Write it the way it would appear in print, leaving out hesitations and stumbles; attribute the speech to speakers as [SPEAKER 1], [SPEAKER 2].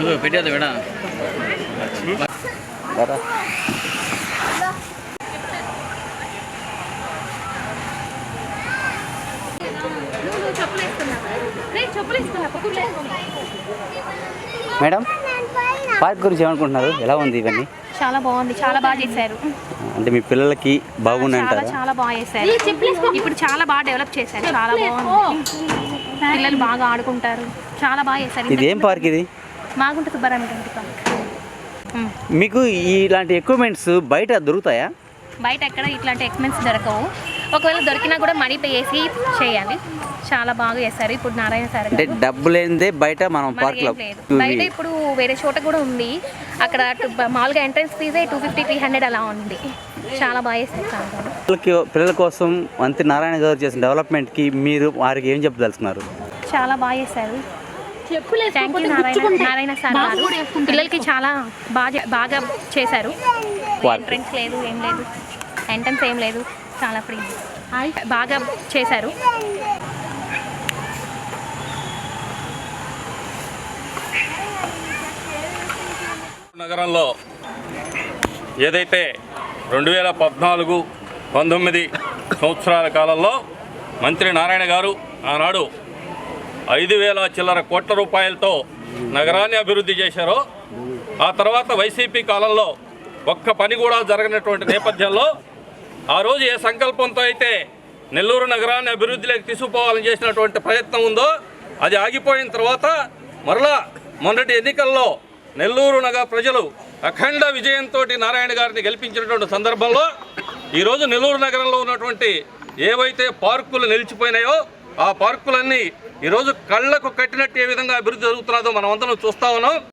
[SPEAKER 1] పెట్టేది విడా
[SPEAKER 2] madam park గురించి ఏమనుకుంటున్నారు? ఎలా ఉంది ఇవన్నీ?
[SPEAKER 3] చాలా బాగుంది, చాలా బాగా చేశారు.
[SPEAKER 2] అంటే మీ పిల్లలకి బాగుందంటారా?
[SPEAKER 3] చాలా బాగా చేశారు. ఇప్పుడు చాలా బాగా డెవలప్ చేశారు. చాలా బాగుంది, పిల్లలు బాగా ఆడుకుంటారు. చాలా బాగా చేశారు.
[SPEAKER 2] ఇది ఏం పార్క్? ఇది
[SPEAKER 3] మాగుంట సుబ్బారావు పార్క్.
[SPEAKER 2] మీకు ఇలాంటి ఎక్విప్మెంట్స్ బయట దొరుకుతాయా?
[SPEAKER 3] బయట ఎక్కడ ఇట్లాంటి ఎక్విప్మెంట్స్ దొరకవు. ఒకవేళ దొరికినా కూడా మనీ పే చేసి చేయాలి. చాలా బాగా చేశారు. ఇప్పుడు నారాయణ సార్
[SPEAKER 2] అంటే డబ్బు లేనిదే బయట మనం పార్క్ లో
[SPEAKER 3] బయట ఇప్పుడు వేరే చోట కూడా ఉంది. అక్కడ మామూలుగా ఎంట్రన్స్ ఫీజే 250-300 అలా ఉంది. చాలా బాగా చేస్తారు.
[SPEAKER 2] పిల్లల కోసం మంత్రి నారాయణ గారు చేసిన డెవలప్మెంట్కి మీరు వారికి ఏం చెప్పదలుచుకున్నారు?
[SPEAKER 3] చాలా బాగా చేశారు. థ్యాంక్ యూ నారాయణ సార్ గారు. పిల్లలకి చాలా బాగా చేశారు. ఎంట్రన్స్ లేదు, ఏం లేదు, ఎంట్రన్స్ ఏం లేదు, చాలా ఫ్రీ, బాగా చేశారు.
[SPEAKER 4] నగరంలో ఏదైతే 2014-19 సంవత్సరాల కాలంలో మంత్రి నారాయణ గారు ఆనాడు 5,000 చిల్లర కోట్ల రూపాయలతో నగరాన్ని అభివృద్ధి చేశారో, ఆ తర్వాత వైసీపీ కాలంలో ఒక్క పని కూడా జరగనటువంటి నేపథ్యంలో ఆ రోజు ఏ సంకల్పంతో అయితే నెల్లూరు నగరాన్ని అభివృద్ధిలోకి తీసుకుపోవాలని చేసినటువంటి ప్రయత్నం ఉందో అది ఆగిపోయిన తర్వాత మరలా మొన్నటి ఎన్నికల్లో నెల్లూరు నగర ప్రజలు అఖండ విజయంతో నారాయణ గారిని గెలిపించినటువంటి సందర్భంలో ఈరోజు నెల్లూరు నగరంలో ఉన్నటువంటి ఏవైతే పార్కులు నిలిచిపోయినాయో ఆ పార్కులన్నీ ఈరోజు కళ్ళకు కట్టినట్టు ఏ విధంగా అభివృద్ధి జరుగుతున్నదో మనం అందరం చూస్తా ఉన్నాం.